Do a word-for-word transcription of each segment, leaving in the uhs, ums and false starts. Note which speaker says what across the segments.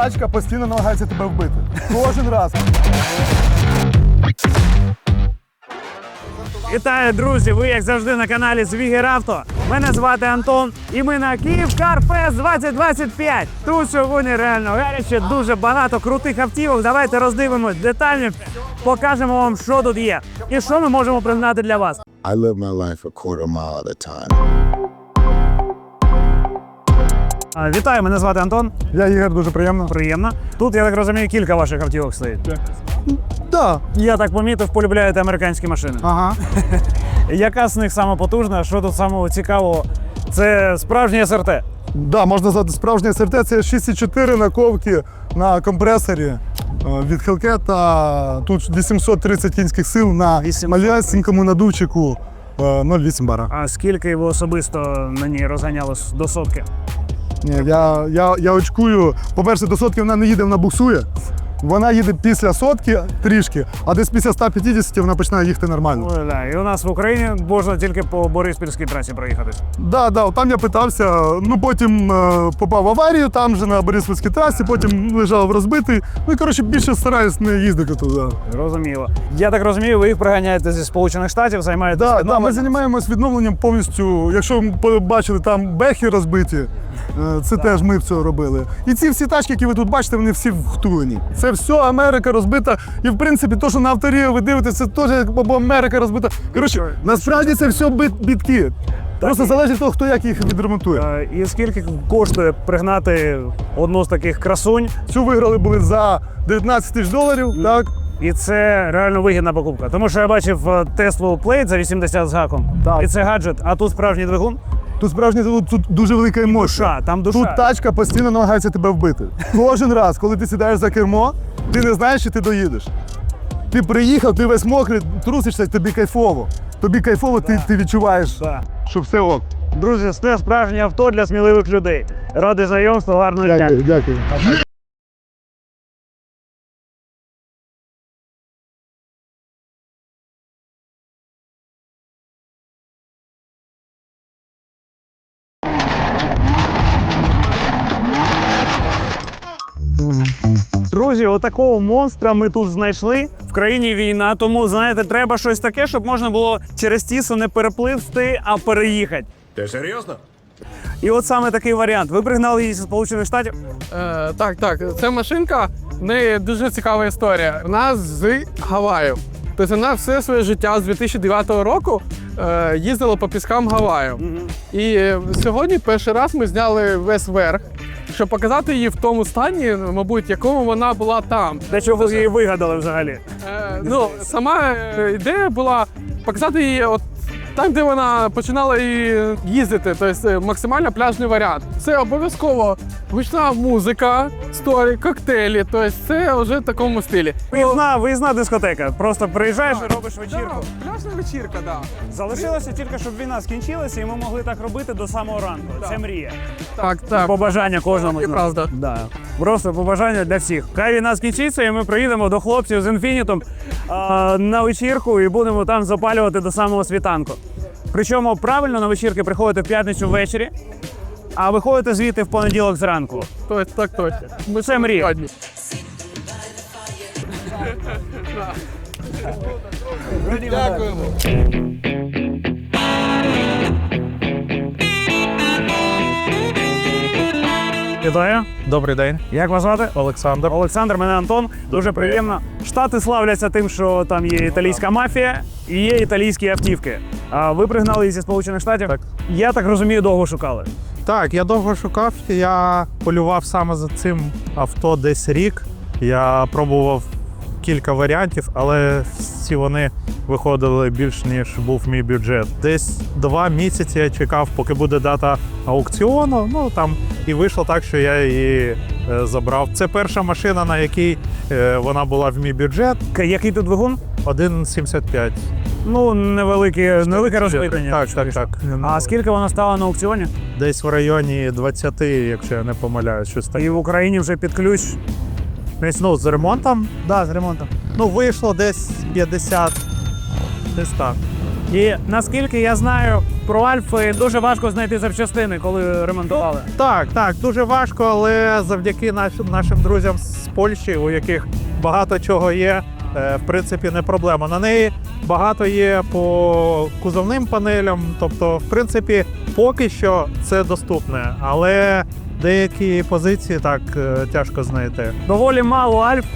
Speaker 1: тачка постійно намагається тебе вбити. Кожен раз.
Speaker 2: Вітаю, друзі! Ви, як завжди, на каналі Звігеравто. Мене звати Антон, і ми на Київ Car Fest двадцять двадцять п'ять. Тут сьогодні реально гаряче, дуже багато крутих автівок. Давайте роздивимось детально, покажемо вам, що тут є і що ми можемо пригнати для вас.
Speaker 3: I live my life a quarter mile at a time.
Speaker 2: А, Вітаю, мене звати Антон.
Speaker 1: Я Ігор, дуже приємно.
Speaker 2: Приємно. Тут, я так розумію, кілька ваших автівок стоїть.
Speaker 1: Да.
Speaker 2: Я так помітив, полюбляєте американські машини.
Speaker 1: Ага.
Speaker 2: Яка з них сама потужна? Що тут самого цікавого? Це справжній ес ер те.
Speaker 1: Да, можна назвати справжнє ес ер те. Це шість і чотири наковки на компресорі е, від Hellcat. Тут вісімсот тридцять кінських сил на малесенькому надувчику е, нуль вісім бара.
Speaker 2: А скільки ви особисто на ній розганяли до сотки?
Speaker 1: Ні, я, я, я очкую. По-перше, до сотки вона не їде, вона буксує. Вона їде після сотки трішки, а десь після ста п'ятдесят вона починає їхати нормально.
Speaker 2: Ой, да. І у нас в Україні можна тільки по Бориспільській трасі проїхатись.
Speaker 1: Да, да, там я питався, ну потім е, попав в аварію, там же на Бориспільській трасі, потім лежав розбитий. Ну і коротше більше стараюсь не їздити туди.
Speaker 2: Розуміло. Я так розумію, ви їх приганяєте зі Сполучених Штатів, займаєтесь
Speaker 1: Да, да, ми
Speaker 2: відновленням?
Speaker 1: займаємось відновленням повністю. Якщо ви побачили, там бехи розбиті, е, це теж ми це робили. І ці всі тачки, які ви тут бачите, вони всі втулені. Це все Америка розбита. І в принципі, то, що на авторі ви дивитеся, це теж або Америка розбита. Коротше, насправді це все бит, бітки. Просто залежить від того, хто як їх відремонтує.
Speaker 2: Е, І скільки коштує пригнати одну з таких красунь?
Speaker 1: Цю виграли були за дев'ятнадцять тисяч доларів, так?
Speaker 2: І це реально вигідна покупка. Тому що я бачив е, Tesla Plate за вісімдесят з гаком.
Speaker 1: Так.
Speaker 2: І це гаджет, а тут справжній двигун.
Speaker 1: Тут справжній тут, тут дуже велика емоція.
Speaker 2: Душа, там душа.
Speaker 1: Тут тачка постійно намагається тебе вбити. Кожен раз, коли ти сідаєш за кермо, ти не знаєш, чи ти доїдеш. Ти приїхав, ти весь мокрий, трусишся, тобі кайфово. Тобі кайфово, ти, ти відчуваєш,
Speaker 2: Да.
Speaker 1: що все ок.
Speaker 2: Друзі, це справжнє авто для сміливих людей. Ради знайомства, гарного дня.
Speaker 1: Дякую, дякую.
Speaker 2: Друзі, отакого монстра ми тут знайшли. В країні війна, тому, знаєте, треба щось таке, щоб можна було через тісу не перепливти, а переїхати.
Speaker 4: Ти серйозно?
Speaker 2: І от саме такий варіант. Ви пригнали її зі Сполучених Штатів?
Speaker 5: Е, так, так. Це машинка, в неї дуже цікава історія. Вона з Гаваю. Тобто вона все своє життя з дві тисячі дев'ятого року е, їздила по піскам Гаваю.
Speaker 2: Угу.
Speaker 5: І е, сьогодні перший раз ми зняли весь верх, щоб показати її в тому стані, мабуть, якому вона була там.
Speaker 2: Для чого ви її вигадали взагалі?
Speaker 5: Е, ну, сама е, ідея була показати її от там, де вона починала і їздити, тобто максимально пляжний варіант. Це обов'язково гучна музика, сторі, коктейлі, тобто це вже в такому стилі.
Speaker 2: Виїзна, виїзна дискотека. Просто приїжджаєш і робиш вечірку.
Speaker 5: Да, пляжна вечірка, так. Да.
Speaker 2: Залишилося тільки, щоб війна скінчилася, і ми могли так робити до самого ранку. Це мрія.
Speaker 5: Так, так.
Speaker 2: Побажання кожному.
Speaker 5: І правда.
Speaker 2: Да. Просто побажання для всіх. Хай війна скінчиться, і ми приїдемо до хлопців з інфінітом а, на вечірку і будемо там запалювати до самого світанку. Причому правильно на вечірки приходите в п'ятницю ввечері, а виходите звідти в понеділок зранку.
Speaker 5: Тобто, так точно. Ми
Speaker 2: Це мрія.
Speaker 5: сьогодні. Дякуємо.
Speaker 2: Вітаю.
Speaker 6: Добрий день,
Speaker 2: Як вас звати?
Speaker 6: Олександр.
Speaker 2: Олександр, мене Антон. Дуже приємно. Штати славляться тим, що там є італійська мафія і є італійські автівки. А ви пригнали її зі Сполучених Штатів?
Speaker 6: Так.
Speaker 2: Я так розумію, довго шукали.
Speaker 6: Так, я довго шукав, я полював саме за цим авто десь рік. Я пробував кілька варіантів, але всі вони виходили більш, ніж був мій бюджет. Десь два місяці я чекав, поки буде дата аукціону. Ну там і вийшло так, що я її е, забрав. Це перша машина, на якій е, вона була в мій бюджет.
Speaker 2: К- Який тут двигун?
Speaker 6: один сімдесят п'ять.
Speaker 2: Ну, невелике, невелике розпитання.
Speaker 6: Так, так, так.
Speaker 2: А скільки вона стала на аукціоні?
Speaker 6: Десь в районі двадцять, якщо я не помиляюсь, щось таке.
Speaker 2: І в Україні вже під ключ.
Speaker 6: Десь, ну, з ремонтом.
Speaker 2: Да, з ремонтом.
Speaker 6: Ну, вийшло десь п'ятдесят, десь так.
Speaker 2: І наскільки я знаю, про Альфи дуже важко знайти запчастини, коли ремонтували.
Speaker 6: Так, так, дуже важко, але завдяки наш, нашим друзям з Польщі, у яких багато чого є, е, в принципі, не проблема. На неї багато є по кузовним панелям, тобто, в принципі, поки що це доступне, але деякі позиції так е, тяжко знайти.
Speaker 2: Доволі мало Альф.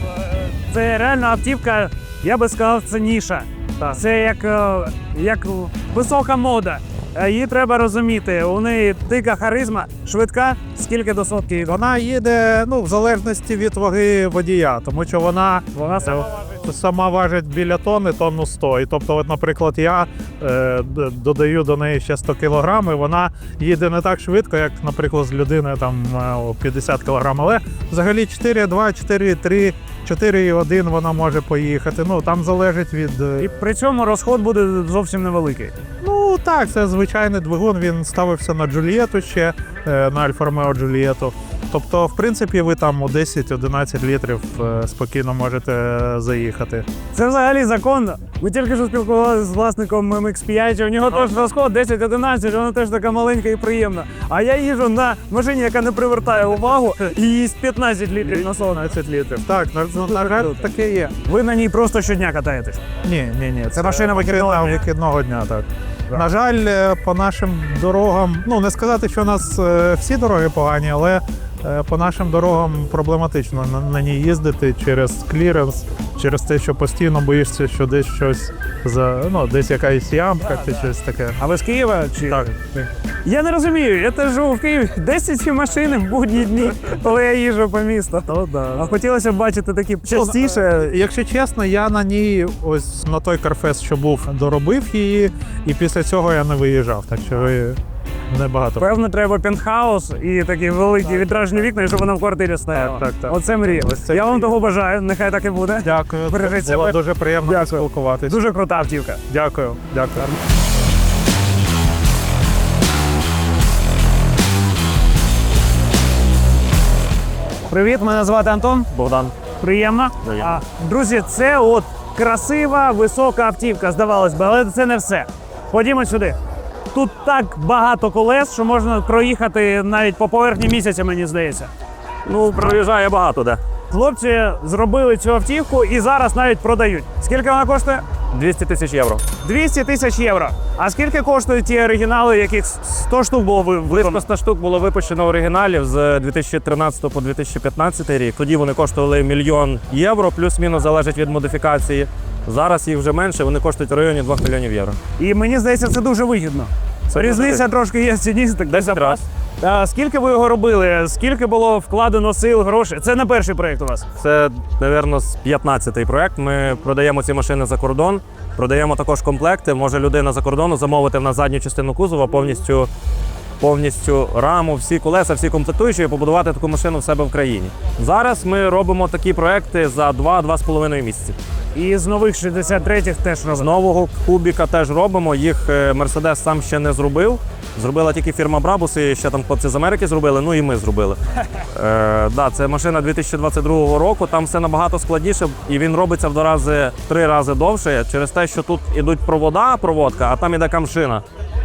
Speaker 2: Це реально автівка, я би сказав, це ніша. Це як, е, як висока мода. Е, Її треба розуміти. У неї дика харизма, швидка, скільки до сотки їде?
Speaker 6: Вона їде ну, в залежності від ваги водія, тому що вона,
Speaker 2: Вона сама
Speaker 6: е, сама важить біля тонни, тонну сто. І тобто, от, наприклад, я е, д- додаю до неї ще сто кілограм, і вона їде не так швидко, як, наприклад, з людини там е, о, п'ятдесят кілограм. Але взагалі чотири два, чотири три, чотири один вона може поїхати. Ну, там залежить від... е,
Speaker 2: І при цьому розход буде зовсім невеликий.
Speaker 6: Ну так, це звичайний двигун, він ставився на Джульєту ще, е, на Альфа Ромео Джульєту. Тобто, в принципі, ви там у десять-одинадцять літрів е, спокійно можете е, заїхати.
Speaker 2: Це взагалі законно. Ми тільки що спілкувалися з власником ем ікс п'ять, у нього теж розход десять одинадцять, вона теж така маленька і приємна. А я їжджу на машині, яка не привертає увагу, і їсть п'ятнадцять літрів на сон.
Speaker 6: п'ятнадцять літрів. Так, на, на жаль, таке є.
Speaker 2: Ви на ній просто щодня катаєтесь.
Speaker 6: Ні, ні, ні. Це,
Speaker 2: машина вихідного
Speaker 6: машина
Speaker 2: дня?
Speaker 6: вихідного дня, так. На жаль, е, по нашим дорогам, ну не сказати, що у нас е, всі дороги погані, але е, по нашим дорогам проблематично на, на ній їздити через кліренс, через те, що постійно боїшся, що десь щось за ну десь якась ямка чи щось таке.
Speaker 2: А ви з Києва? Чи?
Speaker 6: Так.
Speaker 2: Я не розумію, я теж живу в Києві. десять машин в будні дні, коли я їжджу по місту.
Speaker 6: То, да.
Speaker 2: А хотілося б бачити такі частіше.
Speaker 6: Е, Якщо чесно, я на ній ось на той Карфест, що був, доробив її, і після цього я не виїжджав. Так що ви небагато.
Speaker 2: Певно, треба пентхаус і такі великі вітражні вікна, і щоб вона в квартирі стояла.
Speaker 6: Так, так, так.
Speaker 2: Оце мрія.
Speaker 6: Ось це
Speaker 2: Я вам
Speaker 6: мрія.
Speaker 2: того бажаю, нехай так і буде.
Speaker 6: Дякую.
Speaker 2: Бережіть
Speaker 6: Було
Speaker 2: себе.
Speaker 6: дуже приємно
Speaker 2: Дякую.
Speaker 6: спілкуватися.
Speaker 2: Дуже крута автівка.
Speaker 6: Дякую. Дякую.
Speaker 2: Привіт, мене звати Антон.
Speaker 4: Богдан.
Speaker 2: Приємно. А, друзі, це от красива, висока автівка, здавалось би, але це не все. Ходімо сюди. Тут так багато колес, що можна проїхати навіть по поверхні місяця, мені здається.
Speaker 4: Ну, проїжджає багато де.
Speaker 2: Хлопці зробили цю автівку і зараз навіть продають. Скільки вона коштує?
Speaker 4: двісті тисяч євро.
Speaker 2: двісті тисяч євро. А скільки коштують ті оригінали, яких сто штук було ви-
Speaker 4: Близько
Speaker 2: виконано?
Speaker 4: ста штук було випущено оригіналів з дві тисячі тринадцятого по дві тисячі п'ятнадцятий рік. Тоді вони коштували мільйон євро, плюс-мінус залежить від модифікації. Зараз їх вже менше, вони коштують в районі двох мільйонів євро.
Speaker 2: І мені здається, це дуже вигідно.
Speaker 4: Це
Speaker 2: Різниця
Speaker 4: дуже
Speaker 2: трошки є в ціні. Так
Speaker 4: десять разів.
Speaker 2: А скільки ви його робили? Скільки було вкладено сил, грошей? Це не перший проєкт у вас.
Speaker 4: Це, мабуть, п'ятнадцятий проект. Ми продаємо ці машини за кордон, продаємо також комплекти. Може людина за кордону замовити в нас задню частину кузова, повністю, повністю раму, всі колеса, всі комплектуючі, і побудувати таку машину в себе в країні. Зараз ми робимо такі проекти за два-два з половиною місяці.
Speaker 2: І з нових шістдесят третіх теж
Speaker 4: З
Speaker 2: робили.
Speaker 4: нового кубіка теж робимо. Їх Мерседес сам ще не зробив. Зробила тільки фірма Брабус, і ще там хлопці з Америки зробили, ну і ми зробили. Е, да, це машина дві тисячі двадцять другого року, там все набагато складніше, і він робиться в два рази, в три рази довше, через те, що тут ідуть провода, проводка, а там іде камшина.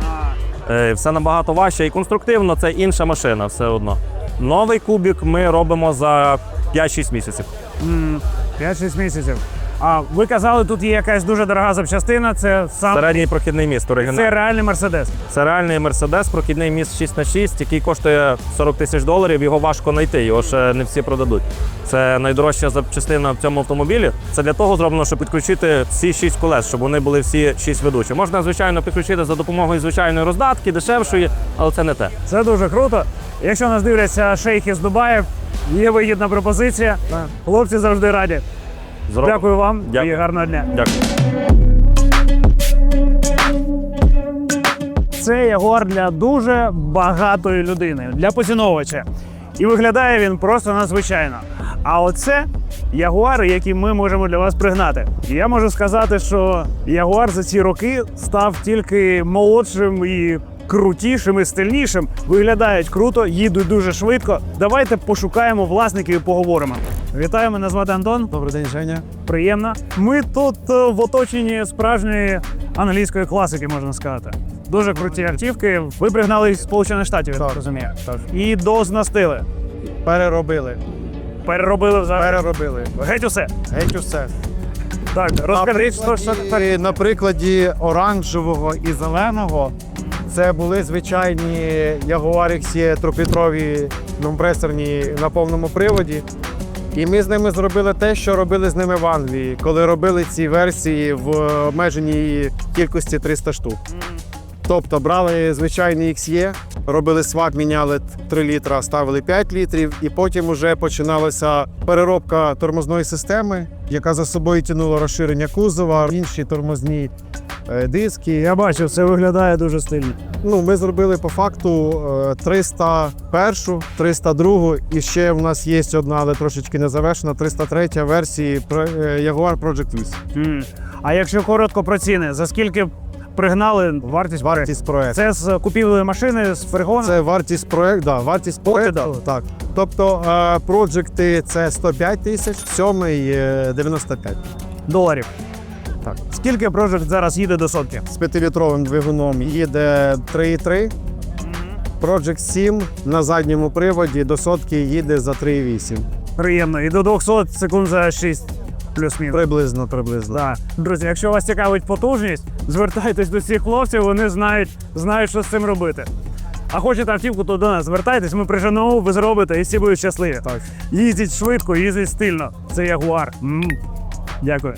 Speaker 4: Е, все набагато важче і конструктивно, це інша машина все одно. Новий кубік ми робимо за п'ять-шість місяців.
Speaker 2: М, п'ять-шість місяців. А ви казали, тут є якась дуже дорога запчастина, це сам
Speaker 4: Середній прохідний міст оригінальний.
Speaker 2: це реальний Мерседес.
Speaker 4: Це реальний Мерседес, прохідний міст шість на шість, який коштує сорок тисяч доларів, його важко знайти, його ще не всі продадуть. Це найдорожча запчастина в цьому автомобілі. Це для того зроблено, щоб підключити всі шість колес, щоб вони були всі шість ведучі. Можна, звичайно, підключити за допомогою звичайної роздатки, дешевшої, але це не те.
Speaker 2: Це дуже круто. Якщо нас дивляться шейхи з Дубаїв, є вигідна пропозиція. Хлопці завжди раді.
Speaker 4: Зробимо.
Speaker 2: Дякую вам
Speaker 4: Дякую.
Speaker 2: і гарного дня.
Speaker 4: Дякую.
Speaker 2: Це Ягуар для дуже багатої людини, для поціновувача. І виглядає він просто надзвичайно. А оце Ягуари, які ми можемо для вас пригнати. І я можу сказати, що Ягуар за ці роки став тільки молодшим і крутішим і стильнішим. Виглядають круто, їдуть дуже швидко. Давайте пошукаємо власників і поговоримо. Вітаю, мене звати Антон.
Speaker 7: Добрий день, Женя.
Speaker 2: Приємно. Ми тут е, в оточенні справжньої англійської класики, можна сказати. Дуже круті автівки. Ви пригнали їх з Сполучених Штатів, я так розумію. І дооснастили.
Speaker 6: Переробили.
Speaker 2: Переробили взагалі.
Speaker 6: Переробили.
Speaker 2: Геть усе.
Speaker 6: Геть усе.
Speaker 2: Так, розкажіть, що ж так.
Speaker 6: І на прикладі оранжевого і зеленого це були звичайні Jaguar ікс і трьохлітрові компресорні на повному приводі. І ми з ними зробили те, що робили з ними в Англії, коли робили ці версії в обмеженій кількості триста штук. Тобто брали звичайний ікс і, робили свап, міняли три літра, ставили п'ять літрів, і потім вже починалася переробка тормозної системи, яка за собою тягнула розширення кузова, інші тормозні е, диски.
Speaker 2: Я бачив, це виглядає дуже стильно.
Speaker 6: Ну, ми зробили по факту е, триста першу, триста другу, і ще в нас є одна, але трошечки не завершена, триста третя версії про- е, Jaguar Project вісім.
Speaker 2: М. А якщо коротко про ціни, за скільки пригнали вартість?
Speaker 6: Вартість проекту.
Speaker 2: Це з купівлею машини, з перегону?
Speaker 6: Це вартість проекту, да, вартість проекту. Так. Тобто е, проджекти це сто п'ять тисяч, сьомий е, дев'яносто п'ять.
Speaker 2: Доларів. Так. Скільки Project зараз їде до сотки?
Speaker 6: З п'ятилітровим двигуном їде три і три. Project сім на задньому приводі до сотки їде за три і вісім.
Speaker 2: Приємно. І до двохсот секунд за шість плюс-мінус.
Speaker 6: Приблизно, приблизно.
Speaker 2: Да. Друзі, якщо вас цікавить потужність, звертайтесь до цих хлопців, вони знають, знають, що з цим робити. А хочете автівку, то до нас звертайтесь, ми приженемо, ви зробите і всі будуть щасливі.
Speaker 6: Так.
Speaker 2: Їздіть швидко, їздіть стильно. Це Jaguar. М. Дякую.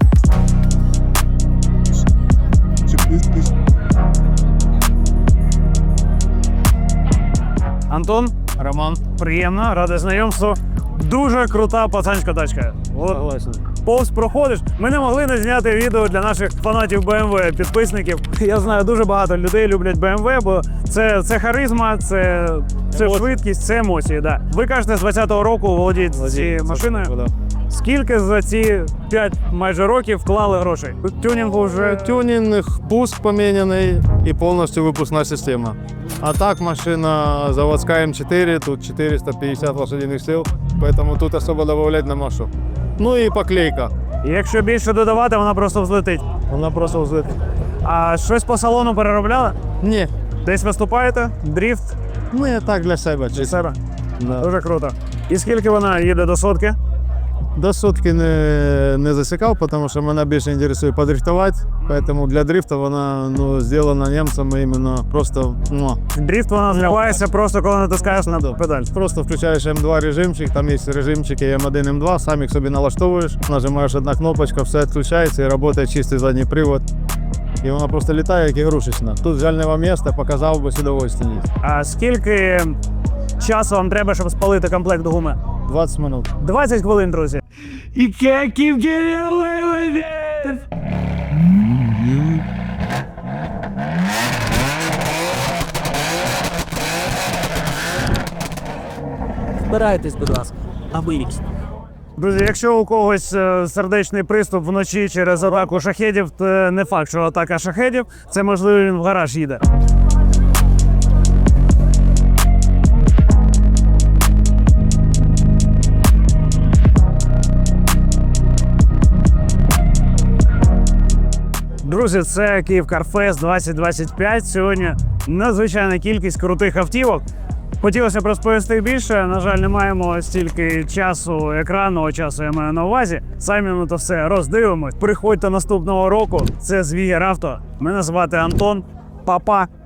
Speaker 2: Антон, Роман, приємно, радий знайомству. Дуже крута пацанська тачка. От, повз проходиш. Ми не могли не зняти відео для наших фанатів бе ем ве, підписників. Я знаю, дуже багато людей люблять бе ем ве, бо це, це харизма, це, це швидкість, це емоції. Да. Ви кажете, з двадцятого року володієте цією машиною. Скільки за ці п'ять майже років вклали грошей? Тюнінгу вже
Speaker 7: Тюнінг, пуск поміняний і повністю випускна система. А так машина заводська ем чотири, тут чотириста п'ятдесят лошадиних сил, тому тут особо додавати нема що. Ну і поклейка.
Speaker 2: І якщо більше додавати, вона просто взлетить.
Speaker 7: Вона просто взлетить.
Speaker 2: А щось по салону переробляли?
Speaker 7: Ні,
Speaker 2: Десь виступаєте? Дріфт?
Speaker 7: ну я так для себе.
Speaker 2: Для
Speaker 7: чисто.
Speaker 2: себе?
Speaker 7: Да.
Speaker 2: Дуже круто. І скільки вона їде до сотки?
Speaker 7: До сотки не, не засікав, тому що мене більше інтересує подрифтувати, тому для дрифту вона ну, зроблена німцями іменно просто ну,
Speaker 2: Дріфт вона зливається просто коли натискаєш на педаль.
Speaker 7: Просто включаєш ем два режимчик, там є режимчики ем один, ем два, сам їх собі налаштовуєш, нажимаєш одна кнопочка, все відключається і працює чистий задній привод. І вона просто літає, як ігрушечна. Тут жального місця, показав би з удовольствием.
Speaker 2: А скільки часу вам треба, щоб спалити комплект гуми?
Speaker 7: двадцять минут.
Speaker 2: двадцять хвилин, друзі. І keep getting away with it!
Speaker 8: Збирайтесь, будь ласка, а виїзд.
Speaker 2: Друзі, якщо у когось е, сердечний приступ вночі через атаку шахедів, то не факт, що атака шахедів, це можливо він в гараж їде. Друзі, це Київ Карфест двадцять двадцять п'ять. Сьогодні надзвичайна кількість крутих автівок. Хотілося б розповісти більше. На жаль, не маємо стільки часу, екранного часу, я маю на увазі. Самі ми то все роздивимось. Приходьте наступного року. Це Звігер Авто. Мене звати Антон. Па-па.